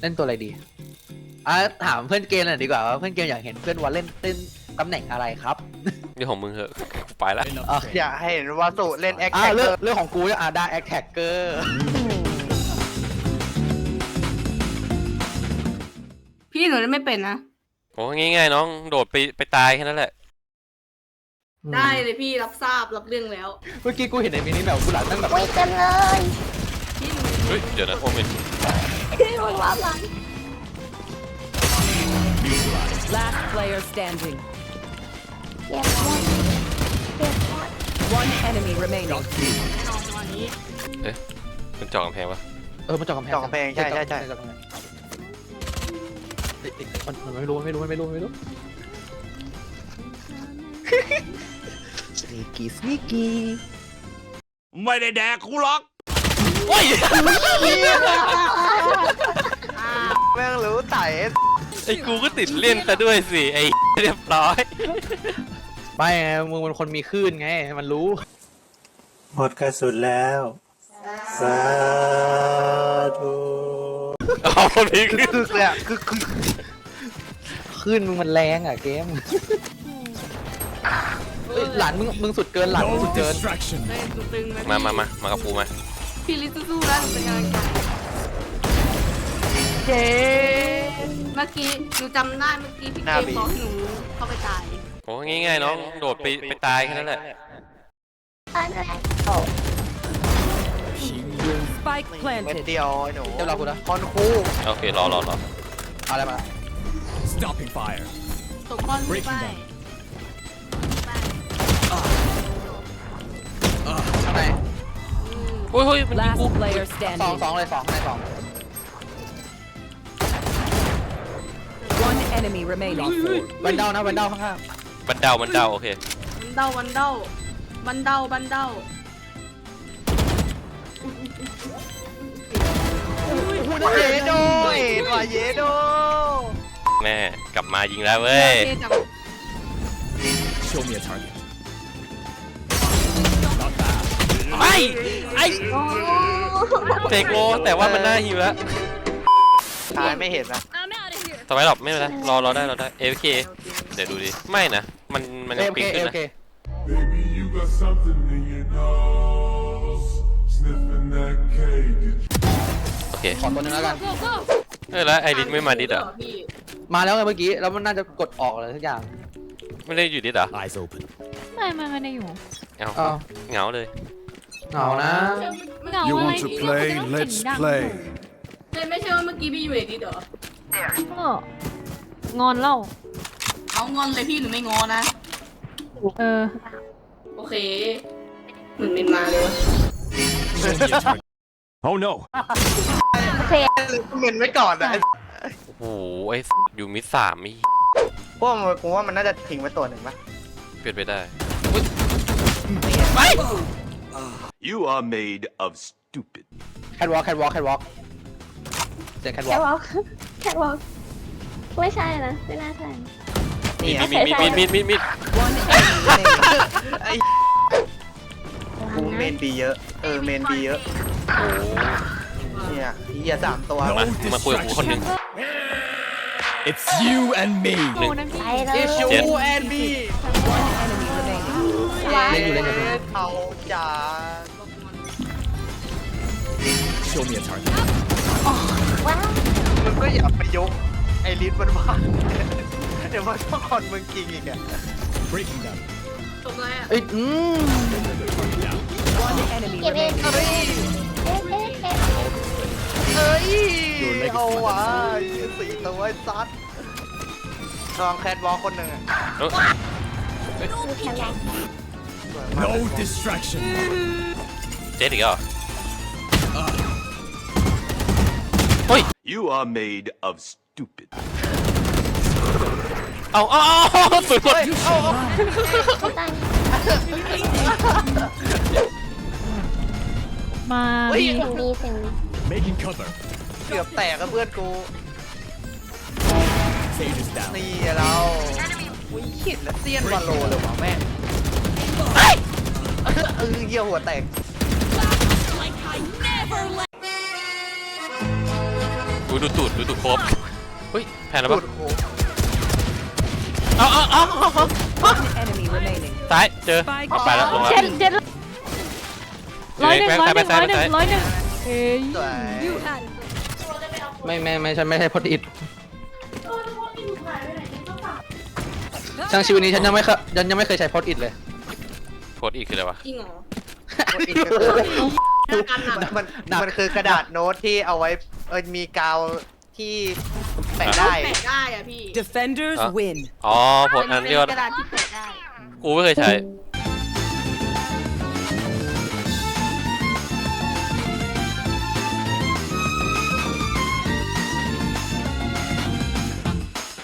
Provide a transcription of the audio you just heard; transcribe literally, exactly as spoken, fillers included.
เล่นตัวอะไรดีอ่ะถามเพื่อนเกมหน่อยดีกว่าว่าเพื่อนเกมอยากเห็นเพื่อนวอลเล่นเล่นตำแหน่งอะไรครับเรื่องของมึงเหอะไปละอยากให้เห็นวาสุเล่นแอคอ่าแท็กเรื่องเรื่องของกูเนี่ยอ่าได้แอคแท็กเกอร์พี่หนูไม่เป็นนะโอ้ง่ายๆน้องโดดไปไปตายแค่นั้นแหละได้เลยพี่รับทราบรับเรื่องแล้วเมื่อกี้กูเห็นในมินิแบบกูหลังนั่งแบบคุยกันเลยพี่หนูเฮ้ยเดี๋ยวนะโอเมนพี่มันว่าหลัง Last player standing. เก็บหมดเก็บหมด One enemy remaining. แน่นอนจังหวะนี้เอ๊ะมันจอกกำแพงปะเออมันจอกกำแพงจอกกำแพงใช่ใช่ใช่จอกกำแพงมันมันไม่รู้มันไม่รู้มันไม่รู้มันไม่รู้สนีกี้สนีกี้ไม่ได้แดกกูหรอกโอ้ยแม่งรู้ไต่ไอ้กูก็ติดเล่นซะด้วยสิไอ้เรียบร้อยไม่ไงมึงเป็นคนมีคลื่นไงมันรู้หมดกระสุนแล้วสาธุเอาคนนี้คือคือเลยอะคือคือคลื่นมึงมันแรงอ่ะเกมเฮ้ยหลานมึงมึงสุดเกินหลานมึงสุดเกิน distraction เลยตึงๆนะมามามามากับกูมาพี่ลิซสู้ๆแล้วหนูเป็นกำลังใจเจ๊เมื่อกี้หนูจำได้เมื่อกี้พี่เกมบอกหนูเข้าไปตายโอ้ง่ายๆน้องโดดไปไปตายแค่นั้นแหละอันแรกโอ้ Spike เม็ด planted. เดียวไอ้หนูเดี๋ยวเรากูนะคอนคู่โอเครอรอรอเอาอะไรมา stopping fire ตกก้อนไม่ไปข้างในโอ้ยเฮ้ยมันยิง Last กู player สอง standing. สองเลยสองในสอง One enemy remaining. วันเดานะวันเดาข้างบันเดาบันเดาโอเควันเดาวันเดาบันเดาบันเดาเยโดเอ็ดว่ะเยโดแม่กลับมายิงแล้วเว้ยเจ๊จับ show me a target ไอ้ไอ้เจกโลแต่ว่ามันน่าหิวแล้วทายไม่เห็นนะทำไมหรอกไม่เป็นไรรอรอได้รอได้เอฟเคเดี๋ยวดูดิไม่นะมันมันๆเอยังเคปิงเอขึ้นเคนะ Baby, you got something in your nose. Sniffing that K. Did โอเคขอตัวนึงแล้วกันเออแล้วไอริสไม่มาดิสเหรอพี่มาแล้วไงเมื่อกี้แล้วมันน่าจะกดออกอะไรทุกอย่างไม่ได้อยู่ดิสเหรอ eyes open ไม่ไม่ไม่ได้อยู่เอาอ้าวเหงาเลยเหงานะเหงา you อะไร want to พี่ play ก็ต้อง let's เสียงดัง play เลยไม่ใช่ว่าเมื่อกี้พี่อยู่เอดีเหรอก็งอนเล่าเอางอนเลยพี่หนูไม่งอนะเออโอเคเหมือนเป็นมาเลยวะ show me a target oh no โอเคเมนไว้ก่อนอะโอ้โหไออยู่มิดสามมีพวกมันกูว่ามันน่าจะทิ้งไว้ตัวหนึ่งปะเปลี่ยนไปได้ you are made of stupid แคทวอล์กแคทวอล์กแคทวอล์กเสียงแคทวแค่อล์กวอล์กแค่วอล์กไม่ใช่นะไม่น่าใช่มีดมีดมีดมีดมีดมีด One enemy remaining. ไอ้กูเมนบีเยอะเออเมนบีเยอะโอ้เนี่ยเฮียสามตัวมามาคุยกับกูคนหนึง it's you and me โอ้นะพี่ไปเลย It's you and me One enemy remaining. เล่นอยู่เล่นอยู่เอาจ๋า show me a target ว้าวมึงก็อย่าไปยกไอ้ลิ้นมันว่าเดี๋ยวมันต้องคอนมึงจริงอีกอะ breaking them ตกเลยอ่ะเอ้ยอืม One enemy เก็บเอง remaining. เอ๊ะเอ๊ะเอ๊ะเอ้ยเอาวะสี่ตัวไอ้ซัดลองแคทวอลคนหนึ่งอะเอ้ยดูแค่วอล์ก no distraction เจ๊อีกแล้วเหรอเฮ้ย you are made of stupid เอาเอาเอาสุดสุดไม่ตายมาเฮ้ยพี่เสียงดีเสียงดี making cover เกือบแตกกับเพื่อนกู sage is down นี่เราอุ้ยขิดและเซียนวาโลเลยวะแม่เออเยี่ยหัวแตกดูดูตูดดูตูดโคบเฮ้ยแพนแล้วตูปะดโคเอาเอาเอาเอาเอา One enemy remaining. ซ้ายเจอ Spike ไปแล้วลงแล้วเจ็ดเจ็ดร้อยหนึ่งแบงค์ร้อยหนึ่งซ้าร้อย ยหนึ่งซ้ายร้อยหนึ่งเอ้ยสวยไม่ไม่ไม่ใช่ไม่ใช่พดอิดช่างชีวิตนี้ฉันยังไม่เคยฉันยังไม่เคยใช้พดอิดเลยโคตรอีกคืออะไรวะจริงเหรอคนอีกก็คือหน้ากันหนักมันมันคือกระดาษโน้ตที่เอาไว้เออมีกาวที่แปะได้แปะได้อะพี่ Defenders Huh? win. อ๋อโพสต์อันเป็ที่ว่ากระดาษที่แปะได้กูไม่เคยใช้